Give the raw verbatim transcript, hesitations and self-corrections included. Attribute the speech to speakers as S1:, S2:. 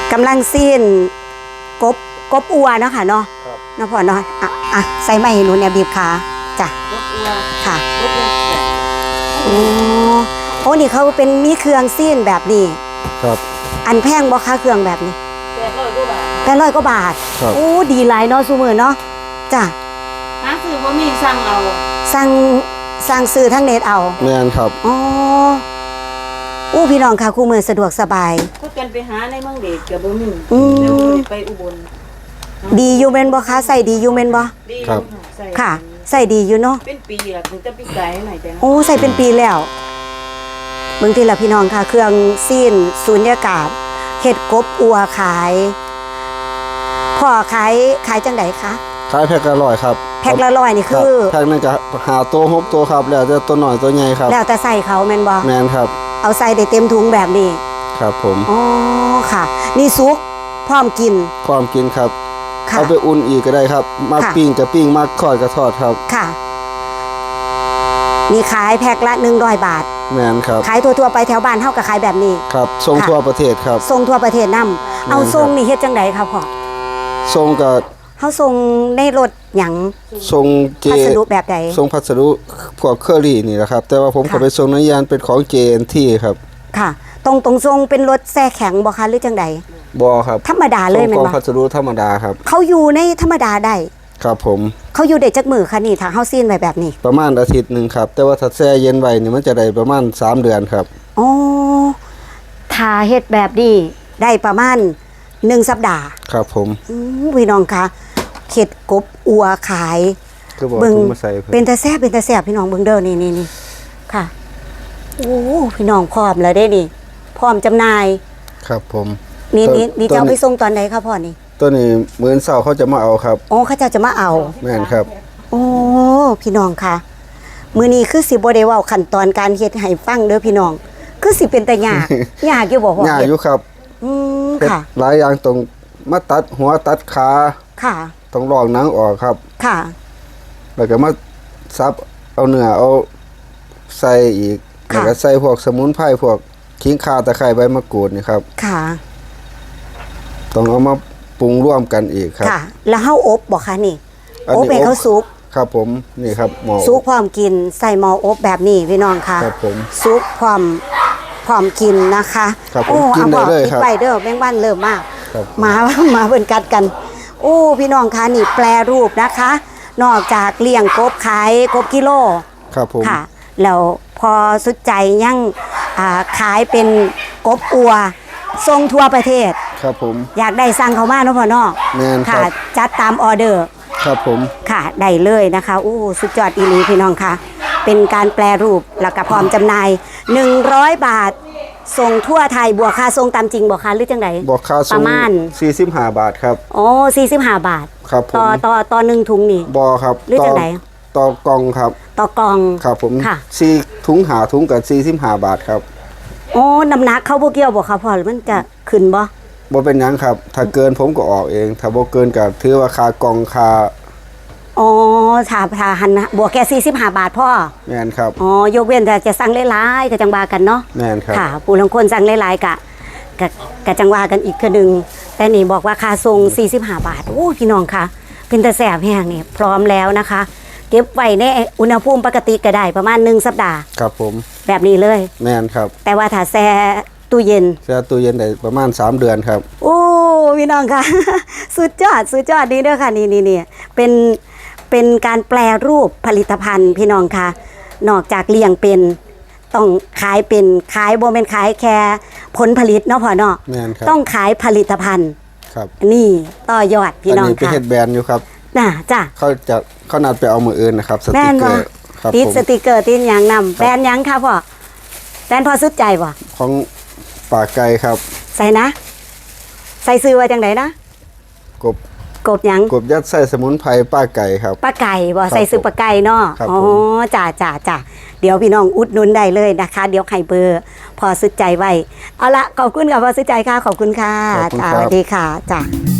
S1: กำลังซีนกบกบอัวเนาะค่ะเนาะเนาะพ่อเนาะอ่ะอ่ะใส่ไม้ให้หนูเนี่ยบีบขาจ้ะ
S2: กบอัว
S1: ค่ะ
S2: กบอัว
S1: โอ้โอ้นี่เขาเป็นมีเครื่องซีนแบบนี้
S3: ครับ
S1: อันแพงบ่คะเครื่องแบบนี้
S2: แปดร้อยกว่าบาท
S1: แปดร้อยกว่าบาทโอ้ดีหลายเนาะซุมื้อเนาะจ้ะ
S2: หาซื้อบ่มีสั่งเอา
S1: สั่งสั่งซื้อทางเน็ตเอา
S3: แม่นครับ
S1: อ๋ออู้พี่น้องค่ะคู่มือสะดวกสบาย
S2: ก็กันไปหาในเมืองเด็กก็บ่มี
S1: อืม
S2: แล้วไปอุบล
S1: ดีอยู่แม่นบ่คะใส่ดีอยู่แม่นบ่
S3: ครับ
S1: ค่ะใส่ดีอยู่เนาะ
S2: เป็นปีละถึงจะปีไก่หน่อยแต่
S1: โอ้ใส่เป็นปีแล้วเบิ่งทีละพี่น้องค่ะเครื่องซีนสูญญากาศเฮ็ดกบอัวขายพ่อขายขายจังไดคะ
S3: ขายแพ็คละร้อยครับ
S1: แพ็คละร้อยนี่คือ
S3: แพ็คนึงก็หาตัวหกตัวครับแล้วแต่ตัวน้อยตัวใหญ่ครับ
S1: แล้วแต่ใส่เขาแม่นบ่
S3: แม่นครับ
S1: เอาใส่ได้เต็มถุงแบบนี้
S3: ครับผม
S1: อ๋อค่ะนี่ซุกพร้อมกิน
S3: พร้อมกินครับเอาไปอุ่นอีกก็ได้ครับมาปิ้งกับปิ้งมาทอดกับทอดครับ
S1: ค่ะนี่ขายแพ็คละหนึ่งร้อยบาท
S3: แม่นครับ
S1: ขายทั่วๆไปแถวบ้านเฮาก็ขายแบบนี้
S3: ครับส่งทั่วประเทศครับ
S1: ส่งทั่วประเทศนำเอาส่งนี่เฮ็ดจังไดครับพ่อ
S3: ส่งก็
S1: เฮาส่งในรถหยัง
S3: ส่งเจ
S1: พัสดุแบบใด
S3: ส่งพัสดุพวกเคอรี่นี่แหละครับแต่ว่าผมก็ไปส่งในยานเป็นของ เจ เอ็น ที ครับ
S1: ค่ะตรงตรงส่งเป็นรถแช่แข็งบ่คะหรือจังได
S3: บ่ครับ
S1: ธรรมดาเลยแม่นบ่
S3: ส่งพัสดุธรรมดาครับ
S1: เขาอยู่ในธรรมดาได้
S3: ครับผม
S1: เขาอยู่ได้จักมื้อคะนี่ถ้าเฮาซีนไว้แบบนี้
S3: ประมาณอาทิตย์นึงครับแต่ว่าถ้าแช่เย็นไว้นี่มันจะได้ประมาณสามเดือนครับ
S1: อ๋อถ้าเฮ็ดแบบนี้ได้ประมาณหนึ่งสัปดาห์
S3: ครับผม
S1: อือพี่น้องคะเข็ดกบอัวขาย
S3: เบิ่ง
S1: เป็นตาแซ่บเป็นตาแซ่บพี่น้องเบิ่งเด้อนี่นี่นี่ค่ะโอ้พี่น้องพร้อมแล้วได้นี่พร้อมจำหน่าย
S3: ครับผม
S1: นี่นี่นี่จะเอาไปส่งตอนไหนครับพ่อนี่
S3: ตัวนี้มื้อเช้าเขาจะมาเอาครับ
S1: อ๋อเขาจะจะมาเอา
S3: แม่นครับ
S1: โอ้พี่น้องค่ะมื้อนี้คือสิบ่ได้เว้าขั้นตอนการเฮ็ดให้ฟังเด้อพี่น้องคือสิเป็นตายากยากอยู่บ่พ่อย
S3: ากอยู่ครับ
S1: อืมค่ะ
S3: หลายอย่างตรงมาตัดหัวตัดขา
S1: ค่ะ
S3: ต้องลอกหนังออกครับ
S1: ค่ะ
S3: แล้วก็มาซับเอาเนื้อเอาใส่อีกแล้วก็ใส่พวกสมุนไพรพวกขิงข่าตะไคร้ใบมะกรูดนี่ครับ
S1: ค่ะ
S3: ต้องเอามาปรุงร่วมกันอีกครับ
S1: ค่ะแล้วเฮาอบบ่คะนี่อบให้เขาสุก
S3: ครับผมนี่ครับหม้อ
S1: สุกพร้อมกินใส่หม้ออบแบบนี้พี่น้องค่ะ
S3: ครับผม
S1: สุกพร้อมพร้อมกินนะคะ
S3: โอ้กินได้เลยครับ
S1: ไปเด้อแมงวันเริ่มมากมามาเบิ่นกัดกันโอ้พี่น้องคะนี่แปรรูปนะคะนอกจากเลี้ยงกบขายกบกิโล
S3: ครับผม
S1: ค่ะแล้วพอสุดใจยังอ่าขายเป็นกบอัวทรงทั่วประเทศ
S3: ครับผม
S1: อยากได้สั่งเขามาเนาะพ่อเนาะค่ะจัดตามออเดอร์
S3: ครับผม
S1: ค่ะได้เลยนะคะอู้สุดยอดอีหลีพี่น้องค่ะเป็นการแปรรูปแล้วก็พร้อมจำหน่ายหนึ่งร้อยบาทส่งทั่วไทยบวกค่าส่งตามจริงบ่คะหรือจังได
S3: บวกค่าส่งประมาณสี่สิบห้าบาทครับ
S1: อ๋อสี่สิบห้าบาท
S3: ครับผม
S1: ต่อต่อต่อหนึ่งถุงนี่
S3: บ่ครับ
S1: หรือจังได
S3: ต่อกล่องครับ
S1: ต่อกล่อง
S3: ครับผมสี่ถุงหาถุงกับสี่สิบห้าบาทครับ
S1: อ๋อน้ำหนักเขาบ่เกี่ยวบ่คะพ่อมันจะขึ้นบ่
S3: บ่เป็นหยังครับถ้าเกินผมก็ออกเองถ้าบ่เกินก็ถือว่าค่ากล่องค่า
S1: อ๋อถ้าถ้าหันบวกแค่สี่สิบห้าบาทพ่อ
S3: แม่นครับ
S1: อ๋อยกเว้นแต่จะสั่งหลายๆก็จังว่ากันเนาะ
S3: แม่นครับ
S1: ค่ะผู้ลางคนสั่งหลายๆกะกะกะจังว่ากันอีกคือนึงแต่นี่บอกว่าค่าส่งสี่สิบห้าบาทโอ้พี่น้องค่ะเป็นตาแซ่บแห้งนี่พร้อมแล้วนะคะเก็บไว้ในอุณหภูมิปกติก็ได้ประมาณหนึ่งสัปดาห์
S3: ครับผม
S1: แบบนี้เลย
S3: แม่นครับ
S1: แต่ว่าถ้าแช่ตู้เย็น
S3: แช่ตู้เย็นได้ประมาณสามเดือนครับ
S1: โอ้พี่น้องค่ะสุดยอดสุดยอดนี่เด้อค่ะนี่นี่นี่เป็นเป็นการแปรรูปผลิตภัณฑ์พี่น้องค่ะนอกจากเลี้ยงเป็นต้องขายเป็นขายบ่เป็นขายแค่ผลผลิตเนาะพ่อเนาะต้องขายผลิตภัณฑ์
S3: ครับ
S1: นี่ต่อยอดพี่น้องค่ะอันนี้
S3: เป็นเฮ็ดแบรนด์อยู่ครับ
S1: น่ะจ้ะ
S3: เขาจะเขานัดไปเอามืออื่นนะครับสติกเกอร์ครับ
S1: ติดสติกเกอร์ติดหยังนำแบรนด์หยังค่ะพ่อแบรนด์พอสุดใจบ่
S3: ของปากไก่ครับ
S1: ใส่นะใส่ซื้อไว้จังไดนะ
S3: กบ
S1: กบหยัง
S3: กบยัดใส่สมุนไพรป้าไก่ครับ
S1: ป้าไก่บ่ใส่ซื้อป้าไก่เนาะอ๋อจ้าจ้าจ้าเดี๋ยวพี่น้องอุดหนุนได้เลยนะคะเดี๋ยวไข่เบอร์พอสุดใจไว้เอาละขอบคุณค่ะพอสุดใจค่ะขอบคุณค่ะสวัสดีค่ะจ้า